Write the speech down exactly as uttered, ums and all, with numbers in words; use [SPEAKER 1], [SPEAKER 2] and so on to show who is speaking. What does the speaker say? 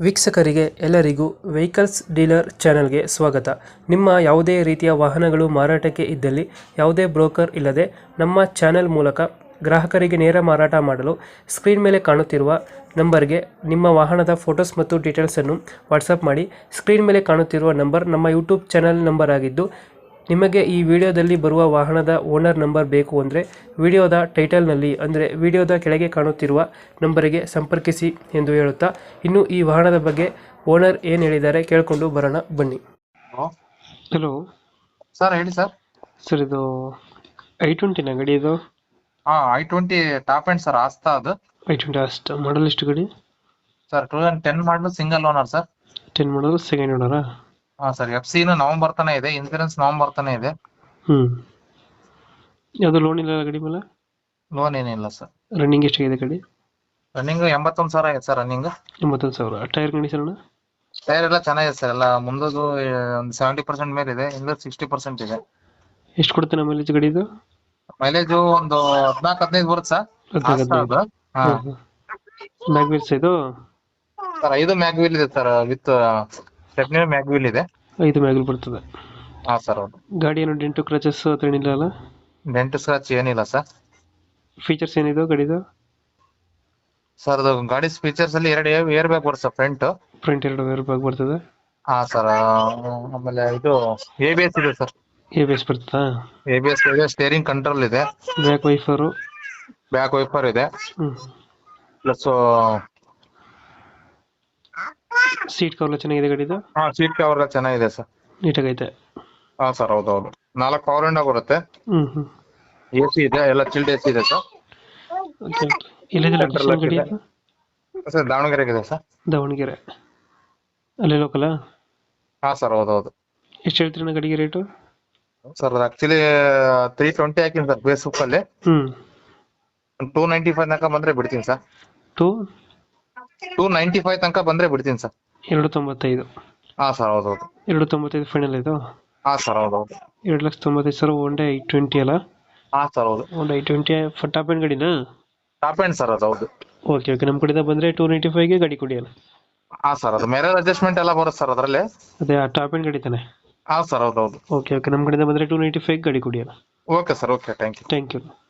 [SPEAKER 1] ವೀಕ್ಷಕರಿಗೆ ಎಲ್ಲರಿಗೂ vehicles dealer ಚಾನೆಲ್ಗೆ ಸ್ವಾಗತ. ನಿಮ್ಮ ಯಾವುದೇ ರೀತಿಯ ವಾಹನಗಳು ಮಾರಾಟಕ್ಕೆ ಇದ್ದಲ್ಲಿ ಯಾವುದೇ ಬ್ರೋಕರ್ ಇಲ್ಲದೆ ನಮ್ಮ ಚಾನೆಲ್ ಮೂಲಕ ಗ್ರಾಹಕರಿಗೆ ನೇರ ಮಾರಾಟ ಮಾಡಲು ಸ್ಕ್ರೀನ್ ಮೇಲೆ ಕಾಣುತ್ತಿರುವ ನಂಬರ್ಗೆ ನಿಮ್ಮ ವಾಹನದ ಫೋಟೋಸ್ ಮತ್ತು ಡೀಟೇಲ್ಸನ್ನು ವಾಟ್ಸಪ್ ಮಾಡಿ. ಸ್ಕ್ರೀನ್ ಮೇಲೆ ಕಾಣುತ್ತಿರುವ ನಂಬರ್ ನಮ್ಮ ಯೂಟ್ಯೂಬ್ ಚಾನೆಲ್ ನಂಬರ್ ಆಗಿದ್ದು, ನಿಮಗೆ ಈ ವಿಡಿಯೋದಲ್ಲಿ ಬರುವ ವಾಹನದ ಓನರ್ ನಂಬರ್ ಬೇಕು ಅಂದರೆ ವಿಡಿಯೋದ ಟೈಟಲ್ನಲ್ಲಿ ಅಂದರೆ ವಿಡಿಯೋದ ಕೆಳಗೆ ಕಾಣುತ್ತಿರುವ ನಂಬರಿಗೆ ಸಂಪರ್ಕಿಸಿ ಎಂದು ಹೇಳುತ್ತಾ, ಇನ್ನು ಈ ವಾಹನದ ಬಗ್ಗೆ ಓನರ್ ಏನು ಹೇಳಿದ್ದಾರೆ ಕೇಳಿಕೊಂಡು ಬರೋಣ ಬನ್ನಿ.
[SPEAKER 2] ಹಲೋ
[SPEAKER 1] ಹಲೋ
[SPEAKER 2] ಸರ್, ಹೇಳಿ ಸರ್.
[SPEAKER 1] ಸರ್, ಇದು ಐ ಟ್ವೆಂಟಿನ ಗಡಿ ಇದು?
[SPEAKER 2] ಹಾ, I twenty top end sir, ಆಸ್ತಾ ಅದು.
[SPEAKER 1] ಐ ಟ್ವೆಂಟಿ ಅಷ್ಟು ಮಾಡಲ್ ಎಷ್ಟು ಗಡಿ
[SPEAKER 2] sir? Two thousand ten model single owner sir.
[SPEAKER 1] Ten model second ಓನರಾ?
[SPEAKER 2] ಹಾ ಸರ್, ಎಫ್ ಸಿ ನವೆಂಬರ್ ತಾನೇ ಇದೆ, ಇನ್ಸೂರೆನ್ಸ್ ನವೆಂಬರ್ ತಾನೇ ಇದೆ.
[SPEAKER 1] ಹ್ಮ್ ಯಾವುದು ಲೋನ್ ಇಲ್ಲ ಗಡಿ ಮೇಲೆ?
[SPEAKER 2] ಲೋನ್ ಏನಿಲ್ಲ ಸರ್.
[SPEAKER 1] ರನ್ನಿಂಗ್ ಎಷ್ಟಾಗಿದೆ ಗಡಿ?
[SPEAKER 2] ರನ್ನಿಂಗ್ ಎಂಬತ್ತೊಂದು ಸಾವಿರ ಆಗಿದೆ ಸರ್. ರನ್ನಿಂಗ್
[SPEAKER 1] ಎಂಬತ್ತೊಂದು ಸಾವಿರ. Tyre condition?
[SPEAKER 2] ಟೈರ್ ಎಲ್ಲ ಚೆನ್ನಾಗಿದೆ ಸರ್. ಎಲ್ಲ ಮುಂದದು ಒಂದು ಸೆವೆಂಟಿ ಪರ್ಸೆಂಟ್ ಮೇಲೆ ಇದೆ, ಹಿಂದೆ ಸಿಕ್ಸ್ಟಿ ಪರ್ಸೆಂಟ್ ಇದೆ.
[SPEAKER 1] ಎಷ್ಟು ಕೊಡುತ್ತೆ ನಮ್ಮ ಮೈಲೇಜ್ ಗಡಿ ಇದು?
[SPEAKER 2] ಮೈಲೇಜ್ ಒಂದು ಹದಿನಾಲ್ಕು ಹದಿನೈದು ಬರುತ್ತೆ ಸರ್.
[SPEAKER 1] ಹದಿನಾಲ್ಕು
[SPEAKER 2] ಆಸ್ತಾ ಅದು. ಹಾ
[SPEAKER 1] ಮ್ಯಾಗ್ವಿಲ್ಸ್ ಇದು?
[SPEAKER 2] ಸರ್, ಐದು ಮ್ಯಾಗ್ವಿಲ್ ಇದೆ ಸರ್, ವಿತ್ ಸ್ಟೆಪ್ನಿ ಮ್ಯಾಗ್ವಿಲ್ ಇದೆ.
[SPEAKER 1] ಐದು ಮ್ಯಾಗ್ವಿಲ್ ಬರ್ತದೆ.
[SPEAKER 2] ಹಾ ಸರ್, ಹೌದು.
[SPEAKER 1] ಗಾಡಿ ಏನು ಡೆಂಟು ಕ್ರಚಸ್ ಹತ್ರ ಏನಿಲ್ಲ ಅಲ್ಲ?
[SPEAKER 2] ಡೆಂಟ್ ಸ್ಕ್ರಾಚ್ ಏನಿಲ್ಲ ಸರ್.
[SPEAKER 1] ಫೀಚರ್ಸ್ ಏನಿದೆ ಗಾಡಿದು?
[SPEAKER 2] ಸರ್, ಅದು ಗಾಡಿ ಫೀಚರ್ಸ್ ಅಲ್ಲಿ ಎರಡು ಏರ್ ಬ್ಯಾಗ್ ಬರುತ್ತೆ ಸರ್, ಫ್ರಂಟ್.
[SPEAKER 1] ಫ್ರಂಟ್ ಎರಡು ಏರ್ ಬ್ಯಾಗ್ ಬರ್ತದೆ.
[SPEAKER 2] ಹಾ ಸರ್, ಆಮೇಲೆ ಇದು ಎ ಬಿ ಎಸ್ ಇದೆ ಸರ್.
[SPEAKER 1] ಎ ಬಿ ಎಸ್ ಬರ್ತದಾ?
[SPEAKER 2] ಎ ಬಿ ಎಸ್ ಇದೆ, ಸ್ಟೇರಿಂಗ್ ಕಂಟ್ರೋಲ್ ಇದೆ,
[SPEAKER 1] ಬ್ಯಾಕ್ ವೈಫರು?
[SPEAKER 2] ಬ್ಯಾಕ್ ವೈಪರ್ ಇದೆ,
[SPEAKER 1] ಹ್ಮ್.
[SPEAKER 2] ಪ್ಲಸ್
[SPEAKER 1] ಸೀಟ್ ಕವರ್ ಚೆನ್ನಾಗಿದೆ ಗಾಡಿದು?
[SPEAKER 2] ಹಾ ಸೀಟ್ ಕವರ್ ಚೆನ್ನಾಗಿದೆ ಸರ್.
[SPEAKER 1] ನೀಟಾಗೈತೆ?
[SPEAKER 2] ಹಾ ಸರ್, ಹೌದೌದು. ನಾಲ್ಕು ಪವರ್ ವಿಂಡೋ ಬರುತ್ತೆ,
[SPEAKER 1] ಹ್ಮ್ ಹ್ಮ್.
[SPEAKER 2] ಎ ಸಿ ಇದೆ, ಎಲ್ಲ ಚಿಲ್ಡ್ ಎ ಸಿ ಇದೆ ಸರ್.
[SPEAKER 1] ಓಕೆ. ಎಲ್ಲಿದೆ ಲೊಕೇಶನ್ ಗಾಡಿ ಇದು?
[SPEAKER 2] ಸರ್, ದಾವಣಗೆರೆಗೆ ಇದೆ ಸರ್.
[SPEAKER 1] ದಾವಣಗೆರೆ ಅಲ್ಲೇ ಲೋಕಲಾ?
[SPEAKER 2] ಹಾ ಸರ್, ಹೌದೌದು.
[SPEAKER 1] ಎಷ್ಟು ಹೇಳ್ತೀರಿ ಗಾಡಿಗೆ rate?
[SPEAKER 2] Sir, actually three twenty ಹಾಕಿನಿ ಸರ್ ಫೇಸ್ಬುಕ್ ಅಲ್ಲಿ.
[SPEAKER 1] ಹ್ಮ್.
[SPEAKER 2] ಟೂ ನೈಂಟಿ ಫೈವ್ ತನಕ ಬಂದ್ರೆ ಬಿಡ್ತೀನಿ sir.
[SPEAKER 1] Two
[SPEAKER 2] two ninety five ತನಕ ಬಂದ್ರೆ ಬಿಡ್ತೀನಿ ಸರ್.
[SPEAKER 1] ಎರಡು ತೊಂಬತ್ತೈದು?
[SPEAKER 2] ಹಾ ಸರ್, ಹೌದೌದು.
[SPEAKER 1] ಎರಡು ತೊಂಬತ್ತೈದು ಫೈನಲ್ ಇದು?
[SPEAKER 2] ಹಾ ಸರ್, ಹೌದೌದು.
[SPEAKER 1] ಎರಡು ಲಕ್ಷ ತೊಂಬತ್ತೈದು ಸಾವಿರ. ಒನ್ ಐ ಟ್ವೆಂಟಿ ಅಲ್ಲ?
[SPEAKER 2] ಹಾ ಸರ್, ಹೌದು.
[SPEAKER 1] ಒಂದು ಐ ಟ್ವೆಂಟಿ ಟಾಪ್ ಎಂಡ್ ಗಾಡಿನಾ?
[SPEAKER 2] ಟಾಪ್ ಎಂಡ್ ಸರ್, ಅದು ಹೌದು.
[SPEAKER 1] Okay okay. ನಮ್ಮ ಕಡೆಯಿಂದ ಬಂದರೆ ಟೂ ನೈಂಟಿ ಫೈವ್ಗೆ ಗಾಡಿ ಕೊಡಿ ಅಲ್ಲ?
[SPEAKER 2] ಹಾ ಸರ್, ಅದು ಮೆರರ್ ಅಡ್ಜಸ್ಟ್ಮೆಂಟ್ ಎಲ್ಲ ಬರುತ್ತೆ ಸರ್ ಅದರಲ್ಲಿ.
[SPEAKER 1] ಅದೇ ಆ ಟಾಪ್ ಎಂಡ್ ಗಾಡಿ ತಾನೆ?
[SPEAKER 2] ಹಾ ಸರ್, ಹೌದೌದು.
[SPEAKER 1] Okay okay. ನಮ್ಮ ಕಡೆಯಿಂದ ಬಂದರೆ ಟೂ ನೈಂಟಿ ಫೈವ್ ಗಾಡಿ ಕೊಡಿ ಅಲ್ಲ?
[SPEAKER 2] Okay sir, okay, thank you.
[SPEAKER 1] Thank you.